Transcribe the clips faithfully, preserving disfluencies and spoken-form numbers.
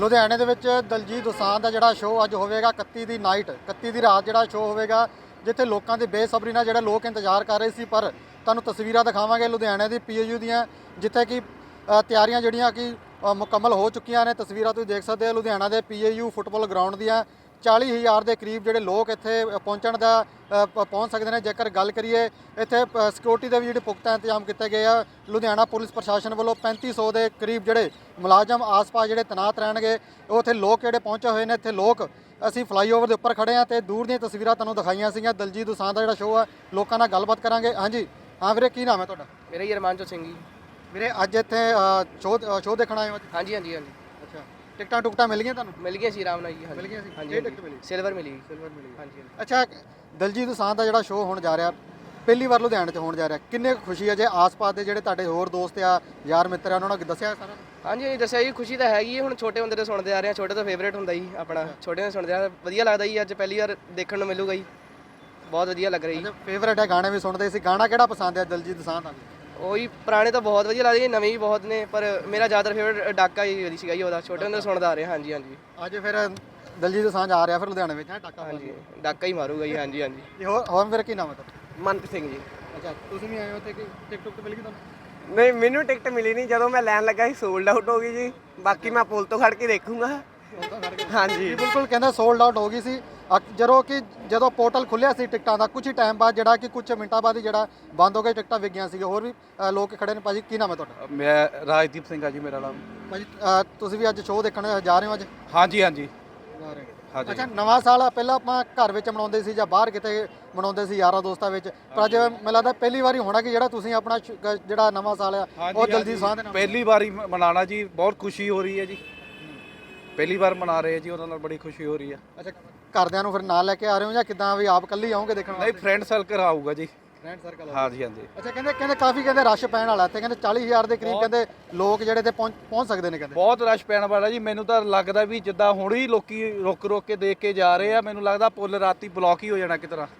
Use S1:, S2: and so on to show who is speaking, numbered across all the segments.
S1: ਲੁਧਿਆਣੇ ਦੇ ਵਿੱਚ ਦਲਜੀਤ ਦੋਸਾਂਝ ਦਾ ਜਿਹੜਾ ਸ਼ੋਅ ਅੱਜ ਹੋਵੇਗਾ ਇਕੱਤੀ ਦੀ ਨਾਈਟ ਇਕੱਤੀ ਦੀ ਰਾਤ ਜਿਹੜਾ ਸ਼ੋਅ ਹੋਵੇਗਾ, ਜਿੱਥੇ ਲੋਕਾਂ ਦੀ ਬੇਸਬਰੀ ਨਾਲ ਜਿਹੜੇ ਲੋਕ ਇੰਤਜ਼ਾਰ ਕਰ ਰਹੇ ਸੀ। ਪਰ ਤੁਹਾਨੂੰ ਤਸਵੀਰਾਂ ਦਿਖਾਵਾਂਗੇ ਲੁਧਿਆਣੇ ਦੀ ਪੀਏਯੂ ਦੀਆਂ, ਜਿੱਥੇ ਕਿ ਅ, ਤਿਆਰੀਆਂ ਜਿਹੜੀਆਂ ਕਿ ਅ, ਮੁਕੰਮਲ ਹੋ ਚੁੱਕੀਆਂ ਨੇ। ਤਸਵੀਰਾਂ ਤੁਸੀਂ ਦੇਖ ਸਕਦੇ ਹੋ ਲੁਧਿਆਣਾ ਦੇ ਪੀਏਯੂ ਫੁੱਟਬਾਲ ਗਰਾਊਂਡ ਦੀਆਂ। ਚਾਲੀ ਹਜ਼ਾਰ ਦੇ ਕਰੀਬ ਜਿਹੜੇ ਲੋਕ ਇੱਥੇ ਪਹੁੰਚਣ ਦਾ ਅ, ਪ- ਪਹੁੰਚ ਸਕਦੇ ਨੇ। ਜੇਕਰ ਗੱਲ ਕਰੀਏ ਇੱਥੇ ਸਿਕਿਉਰਿਟੀ ਦੇ ਵੀ ਜਿਹੜੇ ਪੁਖਤਾ ਇੰਤਜ਼ਾਮ ਕੀਤੇ ਗਏ ਆ। ਲੁਧਿਆਣਾ ਪੁਲਿਸ ਪ੍ਰਸ਼ਾਸਨ ਵੱਲੋਂ ਪੈਂਤੀ ਸੌ ਦੇ ਕਰੀਬ ਜਿਹੜੇ ਮੁਲਾਜ਼ਮ ਆਸ-ਪਾਸ ਜਿਹੜੇ ਤੈਨਾਤ ਰਹਿਣਗੇ। ਉਹ ਇੱਥੇ ਲੋਕ ਜਿਹੜੇ ਪਹੁੰਚੇ ਹੋਏ ਨੇ। ਇੱਥੇ ਲੋਕ ਅਸੀਂ ਫਲਾਈਓਵਰ ਦੇ ਉੱਪਰ ਖੜੇ ਹਾਂ ਤੇ ਦੂਰ ਦੀਆਂ ਤਸਵੀਰਾਂ ਤੁਹਾਨੂੰ ਦਿਖਾਈਆਂ ਸੀਗੀਆਂ। ਦਲਜੀਤ ਦੋਸਾਂਝ ਦਾ ਜਿਹੜਾ ਸ਼ੋਅ ਆ, ਲੋਕਾਂ ਨਾਲ ਗੱਲਬਾਤ ਕਰਾਂਗੇ। ਹਾਂਜੀ ਹਾਂ ਵੀਰੇ, ਕੀ ਨਾਮ ਹੈ ਤੁਹਾਡਾ?
S2: ਮੇਰਾ ਹੀ ਅਰਮਾਨਜੋਤ ਸਿੰਘ ਜੀ।
S1: ਵੀਰੇ ਅੱਜ ਇੱਥੇ ਸ਼ੋਅ ਸ਼ੋਅ ਦੇਖਣ ਆਏ ਹੋ ਅੱਜ?
S2: ਹਾਂਜੀ ਹਾਂਜੀ ਹਾਂਜੀ
S1: ਅੱਛਾ, ਟਿਕਟਾਂ ਟੁਕਟਾਂ ਮਿਲ ਗਈਆਂ ਤੁਹਾਨੂੰ?
S2: ਮਿਲ ਗਿਆ ਸੀ ਆਰਾਮ ਨਾਲ ਜੀ।
S1: ਮਿਲ ਗਈਆਂ ਸੀ?
S2: ਹਾਂਜੀ
S1: ਕਿਹੜੀ ਟਿਕਟ ਮਿਲੀ?
S2: ਸਿਲਵਰ ਮਿਲੀ।
S1: ਸਿਲਵਰ ਮਿਲੀ।
S2: ਹਾਂਜੀ ਹਾਂਜੀ।
S1: ਅੱਛਾ, ਦਲਜੀਤ ਦੋਸਾਂਝ ਦਾ ਜਿਹੜਾ ਸ਼ੋਅ ਹੋਣ ਜਾ ਰਿਹਾ, ਪਹਿਲੀ ਵਾਰ ਲੁਧਿਆਣੇ 'ਚ ਹੋਣ ਜਾ ਰਿਹਾ, ਕਿੰਨੇ ਕੁ ਖੁਸ਼ੀ ਹੈ? ਜੇ ਆਸ-ਪਾਸ ਦੇ ਜਿਹੜੇ ਤੁਹਾਡੇ ਹੋਰ ਦੋਸਤ ਆ, ਯਾਰ ਮਿੱਤਰ ਆ, ਉਹਨਾਂ ਨੂੰ ਦੱਸਿਆ ਸਾਰਾ?
S2: ਹਾਂਜੀ ਹਾਂਜੀ ਦੱਸਿਆ ਜੀ, ਖੁਸ਼ੀ ਤਾਂ ਹੈਗੀ ਹੈ। ਹੁਣ ਛੋਟੇ ਹੁੰਦੇ ਤੋਂ ਸੁਣਦੇ ਆ ਰਹੇ ਹਾਂ, ਛੋਟੇ ਤੋਂ ਫੇਵਰੇਟ ਹੁੰਦਾ ਜੀ ਆਪਣਾ। ਛੋਟੇ ਤੋਂ ਸੁਣਦੇ ਆ, ਵਧੀਆ ਲੱਗਦਾ ਜੀ। ਅੱਜ ਪਹਿਲੀ ਵਾਰ ਦੇਖਣ ਨੂੰ ਮਿਲੂਗਾ ਜੀ, ਬਹੁਤ ਵਧੀਆ ਲੱਗ ਰਹੀ ਜੀ।
S1: ਫੇਵਰੇਟ ਹੈ, ਗਾਣੇ ਵੀ ਸੁਣਦੇ ਸੀ। ਗਾਣਾ ਕਿਹੜਾ ਪਸੰਦ ਹੈ ਦਲਜੀਤ ਦੋਸਾਂਝ ਦਾ?
S2: ਉਹੀ ਪੁਰਾਣੇ ਤਾਂ ਬਹੁਤ ਵਧੀਆ ਲੱਗਦੇ, ਨਵੇਂ ਵੀ ਬਹੁਤ ਨੇ, ਪਰ ਮੇਰਾ ਜ਼ਿਆਦਾਤਰ ਫੇਵਰੇਟ ਡਾਕਾ ਹੀ ਵਧੀਆ ਸੀਗਾ ਜੀ ਉਹਦਾ। ਛੋਟੇ ਹੁੰਦੇ ਤੋਂ ਸੁਣਦਾ ਆ ਰਿਹਾ। ਹਾਂਜੀ ਹਾਂਜੀ
S1: ਅੱਜ ਫਿਰ ਦਲਜੀਤ ਦੋਸਾਂਝ ਆ ਰਿਹਾ ਫਿਰ ਲੁਧਿਆਣੇ ਵਿੱਚ, ਹੈ ਟਾਕਾ?
S2: ਹਾਂਜੀ, ਡਾਕਾ ਹੀ ਮਾਰੂਗਾ ਜੀ। ਹਾਂਜੀ ਹਾਂਜੀ।
S1: ਜੀ ਹੋਰ ਹੋਰ ਫਿਰ ਕੀ ਨਾਮ ਹੈ ਤੁਹਾਡਾ?
S2: ਮਨਪ੍ਰੀਤ ਸਿੰਘ ਜੀ।
S1: ਅੱਛਾ, ਤੁਸੀਂ ਵੀ ਆਏ ਹੋ ਤੇ ਕਿ ਟਿਕਟ ਟੁਕਟ ਮਿਲ ਗਈ ਤੁਹਾਨੂੰ?
S3: ਨਹੀਂ, ਮੈਨੂੰ ਟਿਕਟ ਮਿਲੀ ਨਹੀਂ। ਜਦੋਂ ਮੈਂ ਲੈਣ ਲੱਗਾ ਸੀ ਸੋਲਡ ਆਊਟ ਹੋ ਗਈ ਜੀ। ਬਾਕੀ ਮੈਂ ਪੁਲ ਤੋਂ ਖੜ ਕੇ ਦੇਖੂੰਗਾ। ਹਾਂਜੀ
S1: ਜੀ ਬਿਲਕੁਲ, ਕਹਿੰਦਾ ਸੋਲਡ ਆਊਟ ਹੋ ਗਈ ਸੀ। ਅਕ- ਜਦੋਂ ਕਿ ਜਦੋਂ ਪੋਰਟਲ ਖੁੱਲਿਆ ਸੀ ਟਿਕਟਾਂ ਦਾ, ਕੁਝ ਹੀ ਟਾਈਮ ਬਾਅਦ ਜਿਹੜਾ ਕਿ ਕੁਝ ਮਿੰਟਾਂ ਬਾਅਦ ਹੀ ਜਿਹੜਾ ਬੰਦ ਹੋ ਗਿਆ, ਟਿਕਟਾਂ ਵਿਕ ਗਈਆਂ ਸੀ। ਹੋਰ ਵੀ ਅ, ਲੋਕ ਖੜੇ ਨੇ। ਭਾਜੀ ਕੀ ਨਾਮ ਹੈ ਤੁਹਾਡਾ?
S4: ਮੈਂ ਰਾਜਦੀਪ ਸਿੰਘ ਆ ਜੀ ਮੇਰਾ ਨਾਮ।
S1: ਭਾਜੀ ਅ, ਤੁਸੀਂ ਵੀ ਅੱਜ ਸ਼ੋਅ ਦੇਖਣ ਜਾ ਰਹੇ ਹੋ? ਅੱਜ
S4: ਹਾਂਜੀ ਹਾਂਜੀ
S1: ਜਾ ਰਹੇ ਹੋ।
S4: ਹਾਂਜੀ।
S1: ਅੱਛਾ, ਨਵਾਂ ਸਾਲ ਪਹਿਲਾਂ ਆਪਾਂ ਘਰ ਵਿੱਚ ਮਨਾਉਂਦੇ ਸੀ ਜਾਂ ਬਾਹਰ ਕਿਤੇ ਮਨਾਉਂਦੇ ਸੀ ਯਾਰਾਂ ਦੋਸਤਾਂ ਵਿੱਚ, ਪਰ ਅੱਜ ਮੈਨੂੰ ਲੱਗਦਾ ਪਹਿਲੀ ਵਾਰੀ ਹੋਣਾ ਕਿ ਜਿਹੜਾ ਤੁਸੀਂ ਆਪਣਾ ਸ਼- ਕ- ਜਿਹੜਾ ਨਵਾਂ ਸਾਲ ਆ ਉਹ ਦਲਜੀਤ ਦੋਸਾਂਝ ਦੇ ਨਾਲ
S4: ਪਹਿਲੀ ਵਾਰੀ ਮ- ਮਨਾਉਣਾ ਜੀ, ਬਹੁਤ ਖੁਸ਼ੀ ਹੋ ਰਹੀ ਹੈ ਜੀ। ਪਹਿਲੀ ਵਾਰ ਮਨਾ ਰਹੇ ਜੀ, ਉਹਨਾਂ ਨਾਲ ਬੜੀ ਖੁਸ਼ੀ ਹੋ ਰਹੀ ਹੈ।
S1: ਅੱਛਾ, ਘਰਦਿਆਂ ਨੂੰ ਫਿਰ ਨਾਲ ਲੈ ਕੇ ਆ ਰਹੇ ਹੋ ਜਾਂ ਕਿਦਾਂ, ਵੀ ਆਪ ਇਕੱਲੇ ਹੀ ਆਓਗੇ ਦੇਖਣ
S4: ਨਹੀਂ,
S1: ਵਾਸਤੇ?
S4: ਫਰੈਂਡ ਸਰਕਲ ਆਊਗਾ ਜੀ।
S1: Friend circle?
S4: ਹਾਂਜੀ ਹਾਂਜੀ।
S1: ਅੱਛਾ, ਕਹਿੰਦੇ ਕਹਿੰਦੇ ਕਾਫੀ ਕਹਿੰਦੇ ਰਸ਼ ਪੈਣ ਵਾਲਾ ਤੇ ਕਹਿੰਦੇ ਚਾਲੀ ਹਜ਼ਾਰ ਦੇ ਕਰੀਬ ਕਹਿੰਦੇ ਲੋਕ ਜਿਹੜੇ ਤੇ ਪਹੁੰਚ ਪਹੁੰਚ ਸਕਦੇ ਨੇ ਕਹਿੰਦੇ।
S4: ਬਹੁਤ ਰਸ਼ ਪੈਣ ਵਾਲਾ ਜੀ। ਮੈਨੂੰ ਤਾਂ ਲੱਗਦਾ ਵੀ ਜਿੱਦਾਂ ਹੁਣ ਹੀ ਲੋਕੀ ਰੁਕ ਰੁਕ ਕੇ ਦੇਖ ਕੇ ਜਾ ਰਹੇ ਆ, ਮੈਨੂੰ ਲੱਗਦਾ ਪੁੱਲ ਰਾਤੀ ਬਲੌਕ ਹੀ ਹੋ ਜਾਣਾ ਕਿਸ ਤਰ੍ਹਾਂ।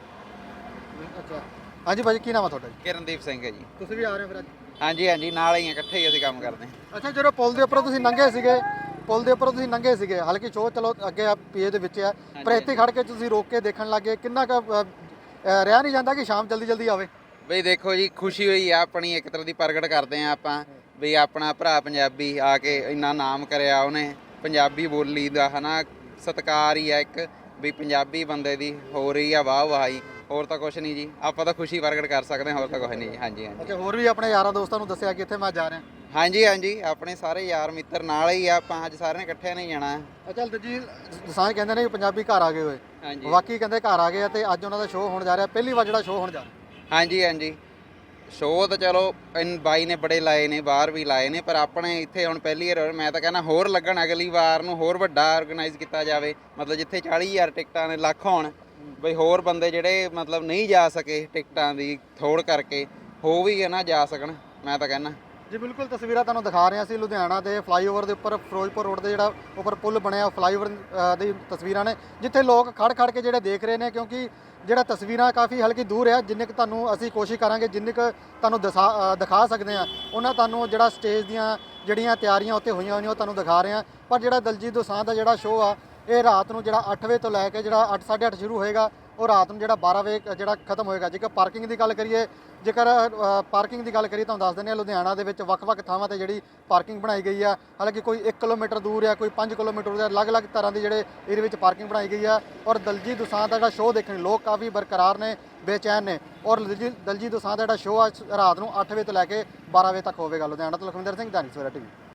S1: ਅੱਛਾ, ਹਾਂਜੀ ਭਾਜੀ ਕੀ ਨਾਮ ਆ ਤੁਹਾਡਾ ਜੀ?
S5: ਕਿਰਨਦੀਪ ਸਿੰਘ ਹੈ ਜੀ।
S1: ਤੁਸੀਂ ਵੀ ਆ ਰਹੇ ਹੋ ਫਿਰ ਅੱਜ?
S5: ਹਾਂਜੀ ਹਾਂਜੀ, ਨਾਲ ਹੀ ਆ, ਇਕੱਠੇ ਹੀ ਅਸੀਂ ਕੰਮ ਕਰਦੇ ਹਾਂ।
S1: ਅੱਛਾ, ਜਦੋਂ ਪੁਲ ਦੇ ਉੱਪਰੋਂ ਤੁਸੀਂ ਲੰਘੇ ਸੀਗੇ, ਪੁਲ ਦੇ ਉੱਪਰੋਂ ਤੁਸੀਂ ਲੰਘੇ ਸੀਗੇ, ਹਾਲਾਂਕਿ ਸ਼ੋਅ ਚਲੋ ਅੱਗੇ ਆ ਪੀਏ ਦੇ ਵਿੱਚ ਆ, ਪਰ ਇੱਥੇ ਖੜ ਕੇ ਤੁਸੀਂ ਰੋਕ ਕੇ ਦੇਖਣ ਲੱਗੇ, ਕਿੰਨਾ ਕੁ ਅ, ਅ, ਰਿਹਾ ਨਹੀਂ ਜਾਂਦਾ ਕਿ ਸ਼ਾਮ ਜਲਦੀ ਜਲਦੀ ਆਵੇ?
S5: ਬਈ ਦੇਖੋ ਜੀ, ਖੁਸ਼ੀ ਹੋਈ ਆ ਆਪਣੀ, ਇੱਕ ਤਰ੍ਹਾਂ ਦੀ ਪ੍ਰਗਟ ਕਰਦੇ ਆ ਆਪਾਂ ਵੀ ਆਪਣਾ ਭਰਾ ਪੰਜਾਬੀ ਆ ਕੇ ਇੰਨਾ ਨਾਮ ਕਰਿਆ ਉਹਨੇ। ਪੰਜਾਬੀ ਬੋਲੀ ਦਾ ਹਨਾ ਸਤਿਕਾਰ ਹੀ ਆ ਇੱਕ, ਵੀ ਪੰਜਾਬੀ ਬੰਦੇ ਦੀ ਹੋ ਰਹੀ ਆ ਵਾਹ ਵਾਹੀ। ਹੋਰ ਤਾਂ ਕੁਛ ਨਹੀਂ ਜੀ, ਆਪਾਂ ਤਾਂ ਖੁਸ਼ੀ ਪ੍ਰਗਟ ਕਰ ਸਕਦੇ ਹਾਂ, ਹੋਰ ਤਾਂ ਕੁਛ ਨਹੀਂ ਜੀ। ਹਾਂਜੀ ਹਾਂਜੀ।
S1: ਅੱਛਾ, ਹੋਰ ਵੀ ਆਪਣੇ ਯਾਰਾਂ ਦੋਸਤਾਂ ਨੂੰ ਦੱਸਿਆ ਕਿ ਇੱਥੇ ਮੈਂ ਜਾ ਰਿਹਾ?
S5: ਹਾਂਜੀ ਹਾਂਜੀ, ਆਪਣੇ ਸਾਰੇ ਯਾਰ ਮਿੱਤਰ ਨਾਲ ਹੀ ਆ, ਆਪਾਂ ਅੱਜ ਸਾਰਿਆਂ ਨੇ ਇਕੱਠਿਆਂ ਨਹੀਂ ਜਾਣਾ।
S1: ਅੱਛਾ, ਦਲਜੀਤ ਦੋਸਾਂਝ ਕਹਿੰਦੇ ਨੇ ਕਿ ਪੰਜਾਬੀ ਘਰ ਆ ਗਏ ਹੋਏ,
S5: ਹਾਂਜੀ
S1: ਬਾਕੀ ਕਹਿੰਦੇ ਘਰ ਆ ਗਏ ਆ ਤੇ ਅੱਜ ਉਹਨਾਂ ਦਾ ਸ਼ੋਅ ਹੋਣ ਜਾ ਰਿਹਾ, ਪਹਿਲੀ ਵਾਰ ਜਿਹੜਾ ਸ਼ੋਅ ਹੋਣ ਜਾ ਰਿਹਾ।
S5: ਹਾਂਜੀ ਹਾਂਜੀ। ਸ਼ੋਅ ਤਾਂ ਚਲੋ ਇਨ ਬਾਈ ਨੇ ਬੜੇ ਲਾਏ ਨੇ, ਬਾਹਰ ਵੀ ਲਾਏ ਨੇ, ਪਰ ਆਪਣੇ ਇੱਥੇ ਹੁਣ ਪਹਿਲੀ ਵਾਰ ਮੈਂ ਤਾਂ ਕਹਿੰਦਾ ਹੋਰ ਲੱਗਣ, ਅਗਲੀ ਵਾਰ ਨੂੰ ਹੋਰ ਵੱਡਾ ਆਰਗੇਨਾਈਜ਼ ਕੀਤਾ ਜਾਵੇ। ਮਤਲਬ ਜਿੱਥੇ ਚਾਲੀ ਹਜ਼ਾਰ ਟਿਕਟਾਂ ਨੇ ਲੱਖ ਹੋਣ, ਬਈ ਹੋਰ ਬੰਦੇ ਜਿਹੜੇ ਮਤਲਬ ਨਹੀਂ ਜਾ ਸਕੇ ਟਿਕਟਾਂ ਦੀ ਥੋੜ ਕਰਕੇ, ਹੋ ਵੀ ਨਾ ਜਾ ਸਕਣ, ਮੈਂ ਤਾਂ ਕਹਿੰਦਾ।
S1: ਜੀ ਬਿਲਕੁਲ, ਤਸਵੀਰਾਂ ਤੁਹਾਨੂੰ ਦਿਖਾ ਰਹੇ ਸੀ ਲੁਧਿਆਣਾ ਦੇ ਫਲਾਈਓਵਰ ਦੇ ਉੱਪਰ, ਫਿਰੋਜ਼ਪੁਰ ਰੋਡ ਦੇ ਜਿਹੜਾ ਉੱਪਰ ਪੁਲ ਬਣਿਆ, ਫਲਾਈਓਵਰ ਅ, ਦੀ ਤਸਵੀਰਾਂ ਨੇ, ਜਿੱਥੇ ਲੋਕ ਖੜ ਖੜ ਕੇ ਜਿਹੜੇ ਦੇਖ ਰਹੇ ਨੇ, ਕਿਉਂਕਿ ਜਿਹੜਾ ਤਸਵੀਰਾਂ ਕਾਫੀ ਹਲਕੀ ਦੂਰ ਆ। ਜਿੰਨੇ ਕੁ ਤੁਹਾਨੂੰ ਅਸੀਂ ਕੋਸ਼ਿਸ਼ ਕਰਾਂਗੇ, ਜਿੰਨੇ ਕੁ ਤੁਹਾਨੂੰ ਦਿਖਾ ਅ, ਦਿਖਾ ਸਕਦੇ ਆ, ਉਹਨਾਂ ਤੁਹਾਨੂੰ ਜਿਹੜਾ ਸਟੇਜ ਦੀਆਂ ਜਿਹੜੀਆਂ ਤਿਆਰੀਆਂ ਉੱਤੇ ਹੋਈਆਂ ਹੋਈਆਂ ਉਹ ਤੁਹਾਨੂੰ ਦਿਖਾ ਰਹੇ ਆ। ਪਰ ਜਿਹੜਾ ਦਲਜੀਤ ਦੋਸਾਂਝ ਦਾ ਜਿਹੜਾ ਸ਼ੋਅ ਆ, ਇਹ ਰਾਤ ਨੂੰ ਜਿਹੜਾ ਅੱਠ ਵਜੇ ਤੋਂ ਲੈ ਕੇ ਜਿਹੜਾ ਅੱਠ ਸਾਢੇ ਅੱਠ ਸ਼ੁਰੂ ਹੋਏਗਾ, ਉਹ ਰਾਤ ਨੂੰ ਜਿਹੜਾ ਬਾਰਾਂ ਵਜੇ ਜਿਹੜਾ ਖਤਮ ਹੋਏਗਾ। ਜੇਕਰ ਪਾਰਕਿੰਗ ਦੀ ਗੱਲ ਕਰੀਏ, ਜੇਕਰ ਪਾਰਕਿੰਗ ਦੀ ਗੱਲ ਕਰੀਏ ਤੁਹਾਨੂੰ ਦੱਸ ਦਿੰਦੇ ਹਾਂ, ਲੁਧਿਆਣਾ ਦੇ ਵਿੱਚ ਵੱਖ-ਵੱਖ ਥਾਵਾਂ ਤੇ ਜਿਹੜੀ ਪਾਰਕਿੰਗ ਬਣਾਈ ਗਈ ਆ। ਹਾਲਾਂਕਿ ਕੋਈ ਇੱਕ ਕਿਲੋਮੀਟਰ ਦੂਰ ਆ, ਕੋਈ ਪੰਜ ਕਿਲੋਮੀਟਰ ਦੂਰ ਆ, ਅਲੱਗ-ਅਲੱਗ ਤਰ੍ਹਾਂ ਦੀ ਜਿਹੜੇ ਇਹਦੇ ਵਿੱਚ ਪਾਰਕਿੰਗ ਬਣਾਈ ਗਈ ਆ। ਔਰ ਦਲਜੀਤ ਦੋਸਾਂਝ ਦਾ ਜਿਹੜਾ ਸ਼ੋਅ ਦੇਖਣ ਲੋਕ ਕਾਫੀ ਬਰਕਰਾਰ ਨੇ, ਬੇਚੈਨ ਨੇ। ਔਰ ਦਲਜੀਤ ਦਲਜੀਤ ਦੋਸਾਂਝ ਦਾ ਜਿਹੜਾ ਸ਼ੋਅ ਆ ਰਾਤ ਨੂੰ ਅੱਠ ਵਜੇ ਤੋਂ ਲੈ ਕੇ ਬਾਰਾਂ ਵਜੇ ਤੱਕ ਹੋਵੇਗਾ। ਲੁਧਿਆਣਾ ਤੋਂ ਲਖਵਿੰਦਰ ਸਿੰਘ, ਦੈਨਿਕ ਸਵੇਰਾ ਟੀਵੀ।